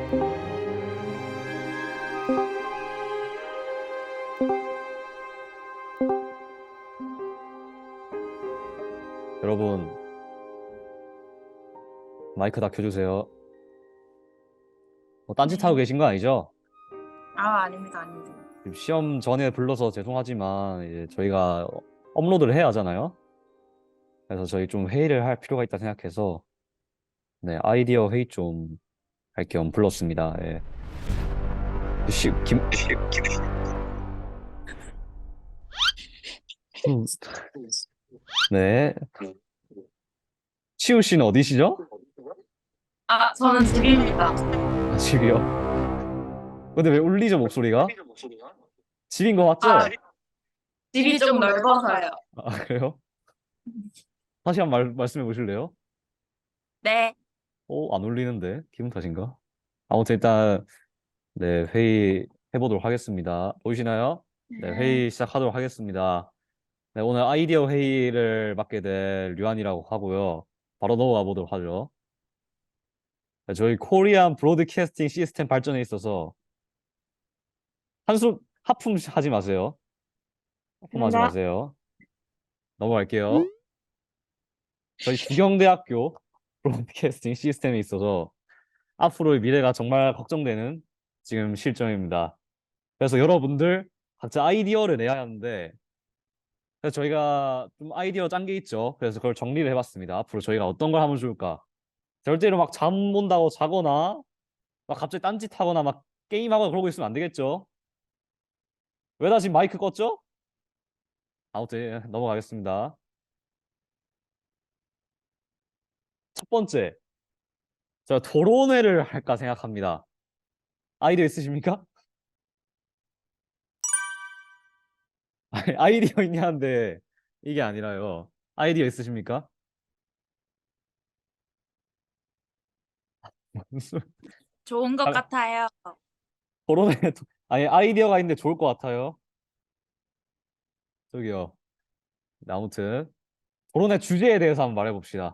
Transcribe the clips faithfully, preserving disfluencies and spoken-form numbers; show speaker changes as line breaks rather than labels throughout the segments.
여러분, 마이크 다 켜주세요. 뭐 딴짓하고
네.
계신 거 아니죠?
아, 아닙니다, 아닙니다.
지금 시험 전에 불러서 죄송하지만 이제 저희가 업로드를 해야 하잖아요. 그래서 저희 좀 회의를 할 필요가 있다 생각해서 네, 아이디어 회의 좀 할 겸 불렀습니다. 예. 시, 김, 음, 네. 치우 씨는 어디시죠?
아, 저는 집입니다.
아, 집이요. 근데 왜 울리죠, 목소리가? 집인 거
아,
맞죠?
집이 좀 넓어서요.
아, 그래요? 다시 한 번 말, 말씀해 보실래요?
네.
어, 안 울리는데? 기분 탓인가? 아무튼 일단 네, 회의 해보도록 하겠습니다. 보이시나요? 네,
네.
회의 시작하도록 하겠습니다. 네, 오늘 아이디어 회의를 맡게 될 류한이라고 하고요. 바로 넘어가 보도록 하죠. 네, 저희 코리안 브로드캐스팅 시스템 발전에 있어서 한숨 하품 하지 마세요. 하품하지
감사합니다.
마세요. 넘어갈게요. 저희 부경대학교 브로드캐스팅 시스템에 있어서 앞으로의 미래가 정말 걱정되는 지금 실정입니다. 그래서 여러분들 각자 아이디어를 내야 하는데 그래서 저희가 좀 아이디어 짠 게 있죠. 그래서 그걸 정리를 해봤습니다. 앞으로 저희가 어떤 걸 하면 좋을까? 절대로 막 잠 온다고 자거나 막 갑자기 딴짓하거나 막 게임하거나 그러고 있으면 안 되겠죠. 왜 다 지금 마이크 껐죠? 아무튼 넘어가겠습니다. 첫 번째, 제가 토론회를 할까 생각합니다. 아이디어 있으십니까? 아니, 아이디어 있냐는데 이게 아니라요. 아이디어 있으십니까? 무슨
좋은 것
아,
같아요.
토론회 아니 아이디어가 있는데 좋을 것 같아요. 저기요. 네, 아무튼 토론회 주제에 대해서 한번 말해봅시다.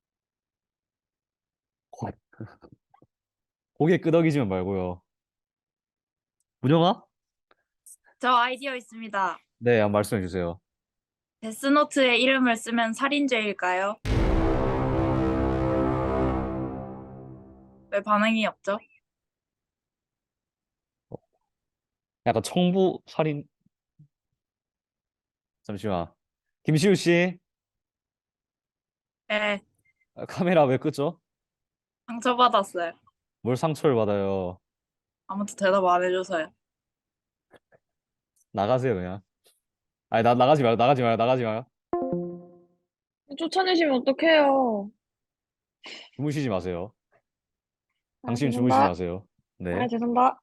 고- 고개 끄덕이지만 말고요. 문영아?
저 아이디어 있습니다.
네, 한번 말씀해 주세요.
데스노트의 이름을 쓰면 살인죄일까요? 왜 반응이 없죠?
약간 청부 살인 잠시만. 김시우 씨,
네.
아, 카메라 왜 끄죠?
상처받았어요.
뭘 상처를 받아요?
아무튼 대답 안 해줘서요.
나가세요 그냥. 아니 나 나가지 마요, 나가지 마요, 나가지 마요.
쫓아내시면 어떡해요.
주무시지 마세요.
아,
당신 주무시지
죄송합니다.
마세요.
아,
네.
죄송합니다.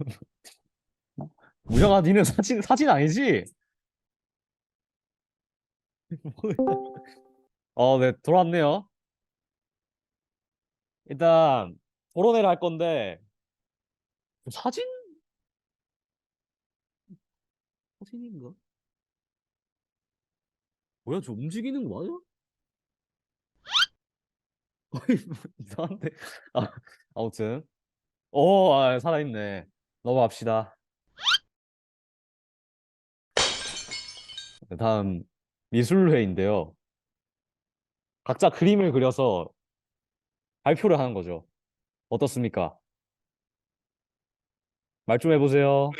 무영아, 니는 사진 사진 아니지? 어, 네, 돌아왔네요. 일단 토론회를 할 건데 사진 사진인가? 뭐야, 저 움직이는 거 맞아? 어이, 뭐 이상한데. 아, 아무튼 오, 아, 살아있네. 넘어갑시다. 네, 다음 미술회인데요. 각자 그림을 그려서 발표를 하는 거죠. 어떻습니까? 말 좀 해보세요.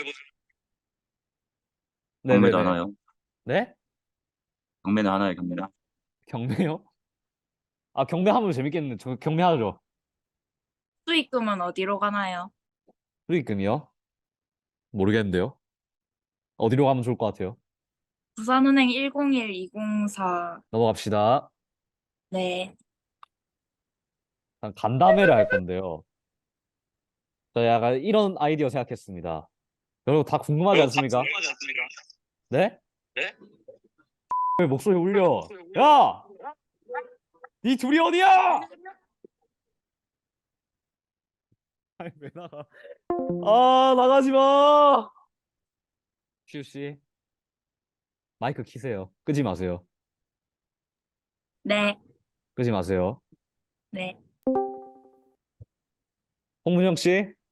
경매도
네네네.
하나요?
네?
경매는 하나요, 경매는?
경매요? 아, 경매하면 재밌겠는데. 저 경매하죠.
수익금은 어디로 가나요?
수익금이요? 모르겠는데요. 어디로 가면 좋을 것 같아요?
부산은행 일공일 이공사.
넘어갑시다.
네.
일단 간담회를 할 건데요. 저 약간 이런 아이디어 생각했습니다. 여러분 다 궁금하지 않습니까? 네?
네?
왜 목소리 울려? 야! 니 둘이 어디야? 아니 왜 나가? 아, 나가지 마. 시우 씨, 마이크 키세요. 끄지 마세요.
네.
끄지 마세요.
네.
홍문영 씨,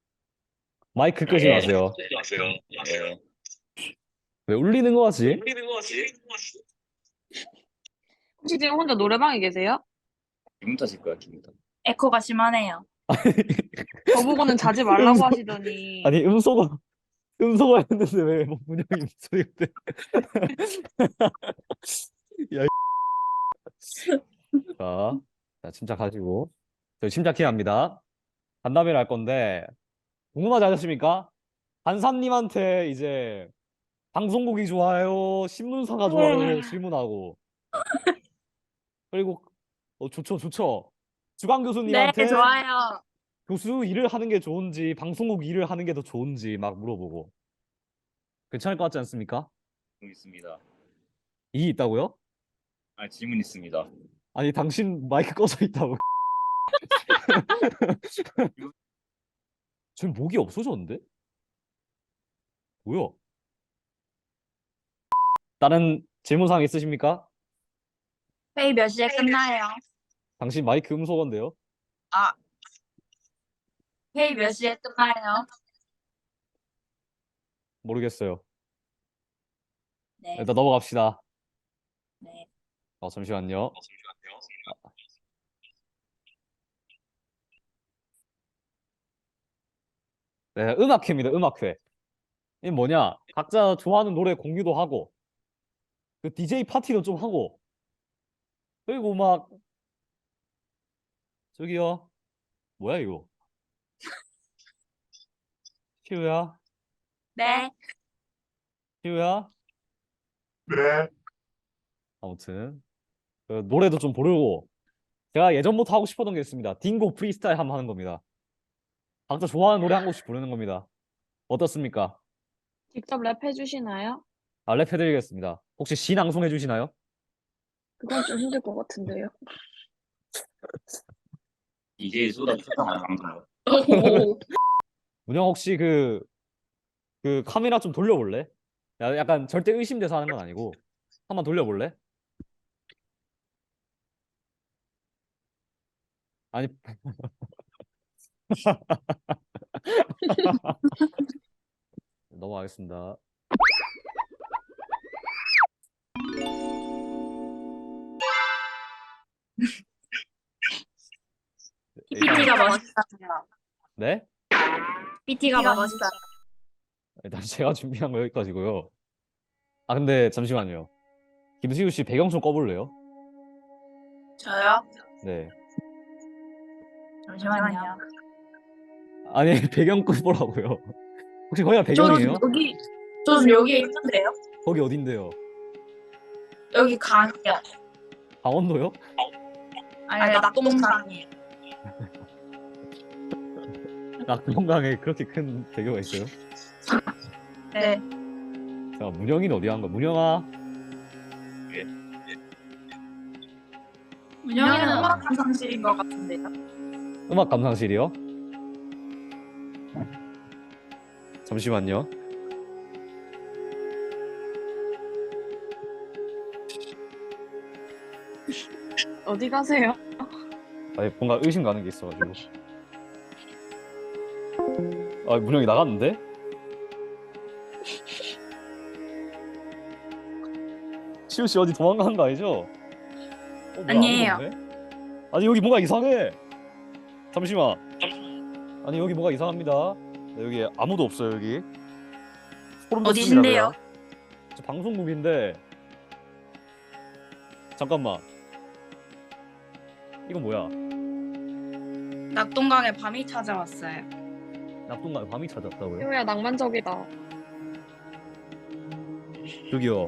마이크 끄지 마세요.
네.
왜 울리는 거 같지?
혹시 지금 혼자 노래방에 계세요?
기분 탓일 거야, 기분 탓.
에코가 심하네요.
저보고는 자지 말라고
음소-
하시더니
아니 음소거 음소거 했는데 왜 뭐 문영이 목소리가 돼? 야, 이 자, 자 침착하시고 저희 침착해야 합니다. 간담회를 할 건데 궁금하지 않으십니까? 한삼님한테 이제 방송국이 좋아요, 신문사가 좋아요 질문하고 그리고 어 좋죠 좋죠. 주강
네,
교수님한테
좋아요.
교수 일을 하는 게 좋은지 방송국 일을 하는 게 더 좋은지 막 물어보고 괜찮을 것 같지 않습니까?
질문 있습니다.
이 있다고요?
아, 질문 있습니다.
아니 당신 마이크 꺼져 있다고. 지금 목이 없어졌는데? 뭐야? 다른 질문사항 있으십니까?
회의 몇 시에 끝나요?
당신 마이크 음소거인데요?
아, 회의 몇 시에 끝나요?
모르겠어요.
네,
일단 넘어갑시다.
네.
어, 잠시만요. 네, 음악회입니다. 음악회. 이게 뭐냐? 각자 좋아하는 노래 공유도 하고, 그 디제이 파티도 좀 하고, 그리고 막 저기요, 뭐야 이거? 시우야,
네,
시우야. 아무튼 그 노래도 좀 부르고, 제가 예전부터 하고 싶었던 게 있습니다. 딩고 프리스타일 한번 하는 겁니다. 각자 좋아하는 노래 한 곡씩 부르는 겁니다. 어떻습니까?
직접 랩 해주시나요?
아, 랩 해드리겠습니다. 혹시 시 낭송해 주시나요?
그건 좀 힘들 것 같은데요.
이제 쏟아 쏟아 나는 방송.
문영 혹시 그, 그 카메라 좀 돌려볼래? 야, 약간 절대 의심돼서 하는 건 아니고 한번 돌려볼래? 아니 넘어가겠습니다. 일단
피티가 멋있어요.
네?
피티가 멋있어요.
일단 제가 준비한 거 여기까지고요. 아 근데 잠시만요. 김수유 씨 배경 좀 꺼볼래요?
저요?
네.
잠시만요.
아니 배경 꺼보라고요. 혹시 거기가
저
배경이에요?
여기, 저 지금 여기 있는데요?
거기 어딘데요?
여기 강이요.
강원도요?
아니, 낙동강이에요.
낙동강에 그렇게 큰 대교가 있어요?
네.
자 문영이는 어디 간 거야? 문영아.
문영이는 음악 감상실인 것 같은데요?
음악 감상실이요? 잠시만요.
어디 가세요?
아니 뭔가 의심 가는 게 있어가지고. 아 문영이 나갔는데? 시우 씨 어디 도망가는 거 아니죠? 어, 뭐야,
아니에요.
아무도 없네? 아니 여기 뭔가 이상해. 잠시만. 아니 여기 뭐가 이상합니다. 네, 여기 아무도 없어요 여기. 소름 돋습니다.
어디신데요?
그냥. 저 방송국인데. 잠깐만. 이건 뭐야?
낙동강에 밤이 찾아왔어요.
낙동강 밤이 찾았다고요?
효야 낭만적이다.
저기요.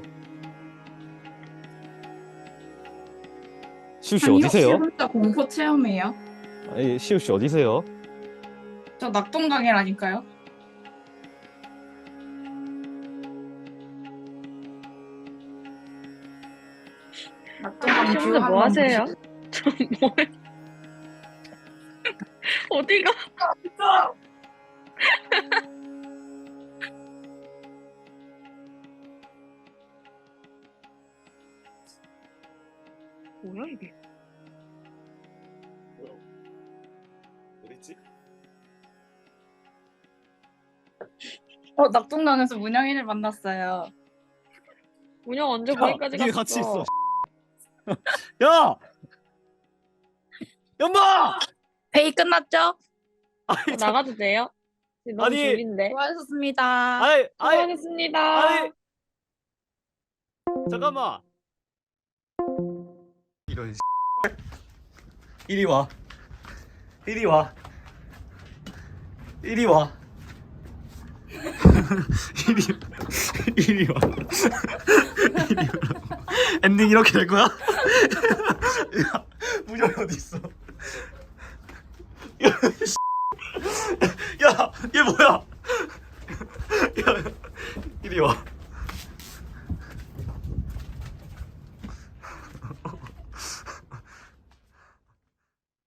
시우 씨 어디세요?
진짜 공포 체험이에요?
아니, 시우 씨 어디세요?
저 낙동강이라니까요.
낙동강 뷰
시험들 뭐
한번
하세요? 뭐 어디가? 뭐야 이게?
어딨지?
어, 낙동강에서 문영이를 만났어요.
운영 언제
야,
거기까지
니네
갔어?
같이 있어. 야! 연마!
회의 끝났죠?
아니, 저-
나가도 돼요? 지금 너무
아니,
졸린데.
수고하셨습니다.
아이, 아이,
수고하셨습니다.
아이. 잠깐만. 이런 이리 와. 이리 와. 이리 와. 이리 이리 와. 이리 와. 엔딩 이렇게 될 거야? 야, 무정이 어디 있어? 야, 얘 뭐야?